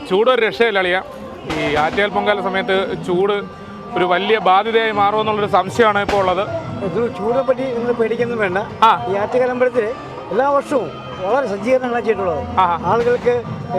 ചൂട് ഒരു രക്ഷയില്ല അളിയ. ഈ ആറ്റുകാൽ പൊങ്കാല സമയത്ത് ചൂട് ഒരു വലിയ ബാധ്യതയായി മാറുമെന്നുള്ളൊരു സംശയമാണ് ഇപ്പോൾ ഉള്ളത്. ചൂടിനെ പറ്റി നിങ്ങൾ പേടിക്കൊന്നും വേണ്ട. ഈ ആറ്റുകാൽ അമ്പലത്തിൽ എല്ലാ വർഷവും വളരെ സജ്ജീകരണങ്ങളാണ് ചെയ്തിട്ടുള്ളത്. ആളുകൾക്ക്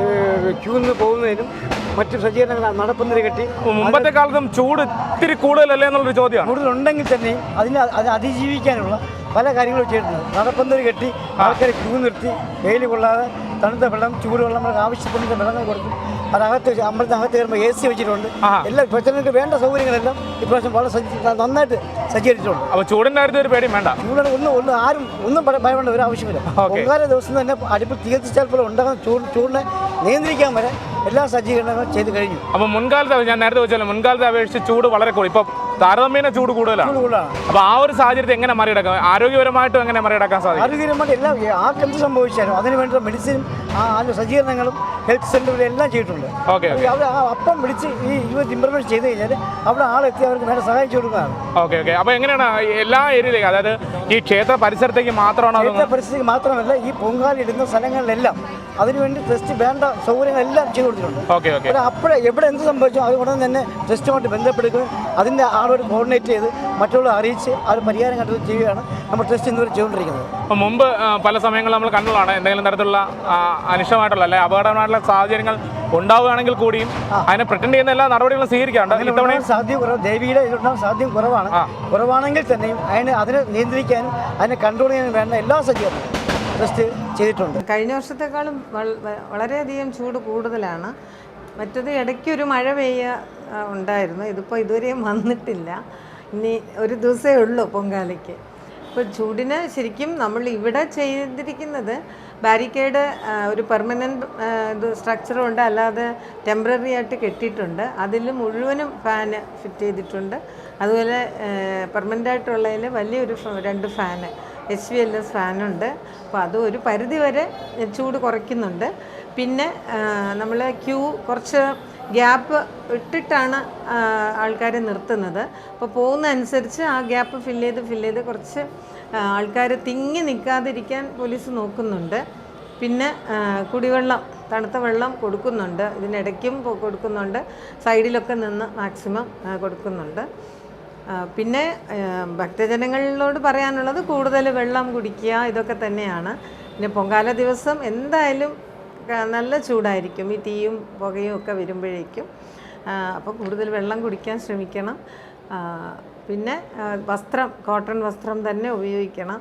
ക്യൂ നിന്ന് പോകുന്നതിനും മറ്റു സജ്ജീകരണങ്ങൾ നടപ്പുന്നതിന് കെട്ടി. മുമ്പത്തെ കാലത്തും ചൂട് ഇത്തിരി കൂടുതലല്ലേ എന്നുള്ളൊരു ചോദ്യമാണ്. കൂടുതലുണ്ടെങ്കിൽ തന്നെയും അത് അതിജീവിക്കാനുള്ള പല കാര്യങ്ങളും ചെയ്തിട്ടുണ്ട്. നടപ്പുന്നതിന് കെട്ടി ആൾക്കാരെ ക്യൂ നിർത്തി വെയിൽ കൊള്ളാതെ തണുത്ത വെള്ളം ചൂടുവെള്ളം നമുക്ക് ആവശ്യപ്പെടുന്ന വെള്ളങ്ങൾ കൊടുക്കും. അതകത്ത് അമ്പലത്തിനകത്ത് കയറുമ്പോൾ AC വെച്ചിട്ടുണ്ട്. എല്ലാ ഭക്തർക്ക് വേണ്ട സൗകര്യങ്ങളെല്ലാം ഇപ്രാവശ്യം വളരെ നന്നായിട്ട് സജ്ജീകരിച്ചിട്ടുണ്ട്. അപ്പോൾ ചൂടിൻ്റെ കാര്യത്തിൽ ഒരു പേടിയും വേണ്ട. ചൂടാണ് ഒന്നും ഭയപ്പെടേണ്ട ഒരു ആവശ്യമില്ല. പൊങ്കാല ദിവസം തന്നെ അടുപ്പിൽ തീ കത്തിച്ചാൽ പോലും ഉണ്ടാകുന്ന ചൂടിനെ നിയന്ത്രിക്കാൻ വരെ എല്ലാ സജ്ജീകരണങ്ങളും ചെയ്ത് കഴിഞ്ഞു. അപ്പോൾ മുൻകാലത്ത് ഞാൻ നേരത്തെ വെച്ചാലും മുൻകാലത്തെ അപേക്ഷിച്ച് ചൂട് വളരെ കൂടുതൽ, ഇപ്പോൾ താരതമ്യേന ചൂട് കൂടുതലാണ്. അപ്പോൾ ആ ഒരു സാഹചര്യത്തെ എങ്ങനെ മറികടക്കാം? ആരോഗ്യപരമായിട്ടും എങ്ങനെ മറികടക്കാൻ സാധിക്കും? ആരോഗ്യപരമായിട്ട് എല്ലാം ആർക്കെന്ത് സംഭവിച്ചാലും അതിന് വേണ്ട മെഡിസിനും സജ്ജീകരണങ്ങളും ഹെൽത്ത് സെൻ്ററുകളും എല്ലാം ചെയ്തിട്ടുണ്ട്. അവർ അപ്പം വിളിച്ച് ഈ ഇംപ്ലിമെൻറ്റ് ചെയ്ത് കഴിഞ്ഞാൽ അവിടെ ആളെത്തി അവർക്ക് വേണ്ട സഹായിച്ചു കൊടുക്കുകയാണ്. ഓക്കെ. അപ്പോൾ എങ്ങനെയാണ് എല്ലാ ഏരിയയിലേക്ക്, അതായത് ഈ ക്ഷേത്ര പരിസരത്തേക്ക് മാത്രമാണോ? ക്ഷേത്ര പരിസരത്തേക്ക് മാത്രമല്ല, ഈ പൊങ്കാലിടുന്ന സ്ഥലങ്ങളിലെല്ലാം അതിനുവേണ്ടി ടെസ്റ്റ് വേണ്ട സൗകര്യങ്ങളെല്ലാം ചെയ്തു കൊടുത്തിട്ടുണ്ട്. അപ്പോഴേ എവിടെ എന്ത് സംഭവിച്ചോ അത് ഉടനെ തന്നെ ടെസ്റ്റുമായിട്ട് ബന്ധപ്പെടുകയും അതിൻ്റെ ആളോട് കോർഡിനേറ്റ് ചെയ്ത് മറ്റുള്ളവരെ അറിയിച്ച് അത് പരിഹാരം കണ്ടത് ചെയ്യുകയാണ് നമ്മൾ ടെസ്റ്റ് ഇന്നുവരെ ചെയ്തുകൊണ്ടിരിക്കുന്നത്. അപ്പോൾ മുമ്പ് പല സമയങ്ങളിൽ നമ്മൾ കണ്ടതാണ് എന്തെങ്കിലും തരത്തിലുള്ള അനിഷ്ടമായിട്ടുള്ള അല്ലെങ്കിൽ അപകടമായിട്ടുള്ള സാഹചര്യങ്ങൾ ഉണ്ടാവുകയാണെങ്കിൽ കൂടിയും അതിനെ പ്രിറ്റൻഡ് ചെയ്യുന്ന എല്ലാ നടപടികളും സ്വീകരിക്കാറുണ്ട്. ഇത്തവണ സാധ്യത കുറവ്, ദേവിയുടെ ഇതിലുണ്ടാകുന്ന സാധ്യത കുറവാണെങ്കിൽ തന്നെയും അതിനെ നിയന്ത്രിക്കാനും അതിനെ കൺട്രോൾ ചെയ്യാനും വേണ്ട എല്ലാ സജ്ജീകരണവും ടെസ്റ്റ് ചെയ്തിട്ടുണ്ട്. കഴിഞ്ഞ വർഷത്തെക്കാളും വളരെയധികം ചൂട് കൂടുതലാണ്. മറ്റത് ഇടയ്ക്കൊരു മഴ ഉണ്ടായിരുന്നു. ഇതിപ്പോൾ ഇതുവരെയും വന്നിട്ടില്ല. ഇനി ഒരു ദിവസമേ ഉള്ളൂ പൊങ്കാലയ്ക്ക്. ഇപ്പോൾ ചൂടിന് ശരിക്കും നമ്മൾ ഇവിടെ ചെയ്തിരിക്കുന്നത് ബാരിക്കേഡ് ഒരു പെർമനൻറ്റ് സ്ട്രക്ചറും ഉണ്ട്, അല്ലാതെ ടെമ്പററി ആയിട്ട് കെട്ടിയിട്ടുണ്ട്. അതിൽ മുഴുവനും ഫാന് ഫിറ്റ് ചെയ്തിട്ടുണ്ട്. അതുപോലെ പെർമനൻ്റ് ആയിട്ടുള്ളതിൽ വലിയൊരു 2 ഫാന് HVLS ഫാനുണ്ട്. അപ്പോൾ അത് ഒരു പരിധി വരെ ചൂട് കുറയ്ക്കുന്നുണ്ട്. പിന്നെ നമ്മൾ ക്യൂ കുറച്ച് ഗ്യാപ്പ് ഇട്ടിട്ടാണ് ആൾക്കാരെ നിർത്തുന്നത്. അപ്പോൾ പോകുന്നതനുസരിച്ച് ആ ഗ്യാപ്പ് ഫില്ല് ചെയ്ത് കുറച്ച് ആൾക്കാർ തിങ്ങി നിൽക്കാതിരിക്കാൻ പോലീസ് നോക്കുന്നുണ്ട്. പിന്നെ കുടിവെള്ളം, തണുത്ത വെള്ളം കൊടുക്കുന്നുണ്ട്. ഇതിനിടയ്ക്കും കൊടുക്കുന്നുണ്ട്. സൈഡിലൊക്കെ നിന്ന് മാക്സിമം കൊടുക്കുന്നുണ്ട്. പിന്നെ ഭക്തജനങ്ങളോട് പറയാനുള്ളത് കൂടുതൽ വെള്ളം കുടിക്കുക, ഇതൊക്കെ തന്നെയാണ്. പിന്നെ പൊങ്കാല ദിവസം എന്തായാലും നല്ല ചൂടായിരിക്കും, ഈ തീയും പുകയും ഒക്കെ വരുമ്പോഴേക്കും. അപ്പോൾ കൂടുതൽ വെള്ളം കുടിക്കാൻ ശ്രമിക്കണം. പിന്നെ വസ്ത്രം, കോട്ടൺ വസ്ത്രം തന്നെ ഉപയോഗിക്കണം.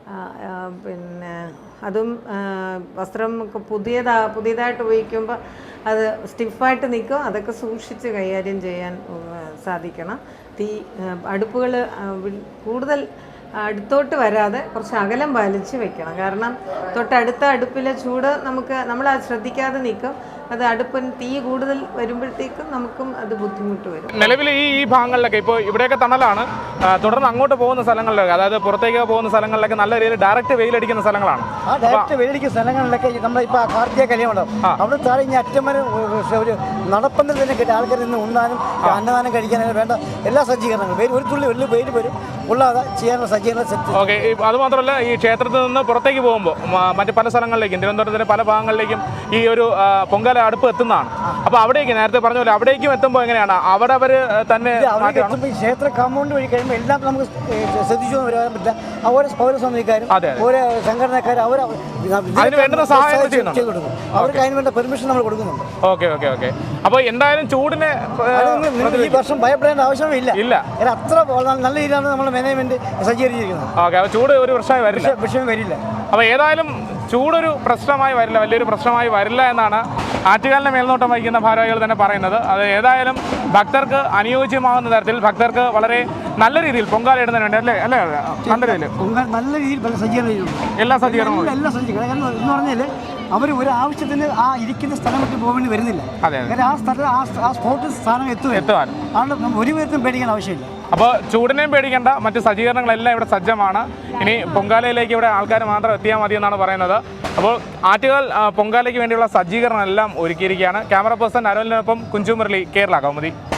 പിന്നെ അതും വസ്ത്രം പുതിയതായിട്ട് ഉപയോഗിക്കുമ്പോൾ അത് സ്റ്റിഫായിട്ട് നിൽക്കും. അതൊക്കെ സൂക്ഷിച്ച് കൈകാര്യം ചെയ്യാൻ സാധിക്കണം. അടുപ്പുകൾ കൂടുതൽ അടുത്തോട്ട് വരാതെ കുറച്ച് അകലം പാലിച്ച് വെക്കണം. കാരണം തൊട്ടടുത്ത അടുപ്പിലെ ചൂട് നമ്മൾ ശ്രദ്ധിക്കാതെ നിൽക്കും. അത് അടുപ്പിന് തീ കൂടുതൽ വരുമ്പോഴത്തേക്കും നമുക്കും അത് ബുദ്ധിമുട്ട് വരും. നിലവിൽ ഈ ഭാഗങ്ങളിലൊക്കെ ഇപ്പോൾ ഇവിടെയൊക്കെ തണലാണ്, തുടർന്ന് അങ്ങോട്ട് പോകുന്ന സ്ഥലങ്ങളിലൊക്കെ, അതായത് പുറത്തേക്ക് പോകുന്ന സ്ഥലങ്ങളിലൊക്കെ നല്ല രീതിയിൽ ഡയറക്റ്റ് വെയിലടിക്കുന്ന സ്ഥലങ്ങളാണ്. ആ ഡയറക്റ്റ് വെയിലടിക്കുന്ന സ്ഥലങ്ങളിലൊക്കെ നമ്മളിപ്പോൾ കാർത്തിക കല്യാണം അവിടെ താഴെ ഇനി അറ്റം വരെ ഒരു നടപ്പന്തൽ തന്നെ കിട്ടി ആൾക്കാർ നിന്ന് ഉണ്ണാനും അന്നദാനം കഴിക്കാനും വേണ്ട എല്ലാ സജ്ജീകരണങ്ങളും ഒരു തുള്ളി വെയിൽ വരും കൊള്ളാതെ ചെയ്യാനുള്ള സജ്ജീകരണം സെറ്റ്. ഓക്കെ. അതുമാത്രമല്ല, ഈ ക്ഷേത്രത്തിൽ നിന്ന് പുറത്തേക്ക് പോകുമ്പോൾ മറ്റ് പല സ്ഥലങ്ങളിലേക്കും തിരുവനന്തപുരത്തിൻ്റെ പല ഭാഗങ്ങളിലേക്കും ഈ ഒരു പൊങ്കാല അടുപ്പ് എത്തുന്നതാണ്. അപ്പോൾ അവിടേക്ക് നേരത്തെ പറഞ്ഞ പോലെ അവിടേക്കും എത്തുമ്പോൾ എങ്ങനെയാണ് അവിടെ അവർ തന്നെ ക്ഷേത്ര കോമ്പൗണ്ട് വഴി കഴിയുമ്പോൾ എല്ലാം നമുക്ക് ശ്രദ്ധിച്ചു വരാൻ പറ്റില്ല. ഓരോ പൗരസ്വാമിക്കാരും ഓരോ സംഘടനക്കാരും അതിന് വേണ്ടുന്ന സഹായം ചെയ്തു കൊടുക്കും. അവർക്ക് അതിന് വേണ്ട പെർമിഷൻ നമ്മൾ കൊടുക്കുന്നുണ്ട്. ഓക്കെ. അപ്പോൾ എന്തായാലും ചൂടിനെ ഈ വർഷം ഭയപ്പെടേണ്ട ആവശ്യമില്ല. അത്ര നല്ല രീതിയിലാണ് നമ്മൾ മാനേജ്മെന്റ് സജ്ജീകരിച്ചിരിക്കുന്നത്. ഓക്കെ. അപ്പോൾ ചൂട് ഒരു വിഷയം വരില്ല. അപ്പോൾ ഏതായാലും ചൂടൊരു പ്രശ്നമായി വരില്ല, വലിയൊരു പ്രശ്നമായി വരില്ല എന്നാണ് ആറ്റുകാലിനെ മേൽനോട്ടം വഹിക്കുന്ന ഭാരവാഹികൾ തന്നെ പറയുന്നത്. അത് ഏതായാലും ഭക്തർക്ക് അനുയോജ്യമാകുന്ന തരത്തിൽ ഭക്തർക്ക് വളരെ നല്ല രീതിയിൽ പൊങ്കാല ഇടുന്നതിന് വേണ്ടി അല്ലേ നല്ല രീതിയിൽ എല്ലാ സജ്ജീകരണങ്ങളും എന്ന് പറഞ്ഞാൽ അവർ ഒരു ആവശ്യത്തിന് ആ ഇരിക്കുന്ന സ്ഥലം വിട്ട് പോകേണ്ടി വരുന്നില്ല. ആ സ്പോട്ടിൽ സ്ഥാനം എത്തുവാൻ ഒരു വിധത്തിലും പേടിക്കാൻ ആവശ്യമില്ല. അപ്പോൾ ചൂടിനെയും പേടിക്കേണ്ട, മറ്റ് സജ്ജീകരണങ്ങളെല്ലാം ഇവിടെ സജ്ജമാണ്. ഇനി പൊങ്കാലയിലേക്ക് ഇവിടെ ആൾക്കാർ മാത്രം എത്തിയാൽ മതി എന്നാണ് പറയുന്നത്. അപ്പോൾ ആറ്റുകാൽ പൊങ്കാലയ്ക്ക് വേണ്ടിയുള്ള സജ്ജീകരണം എല്ലാം ഒരുക്കിയിരിക്കുകയാണ്. ക്യാമറ പേഴ്സൺ അരുണിനൊപ്പം കുഞ്ചു മുരളി, കേരള കൗമുദി.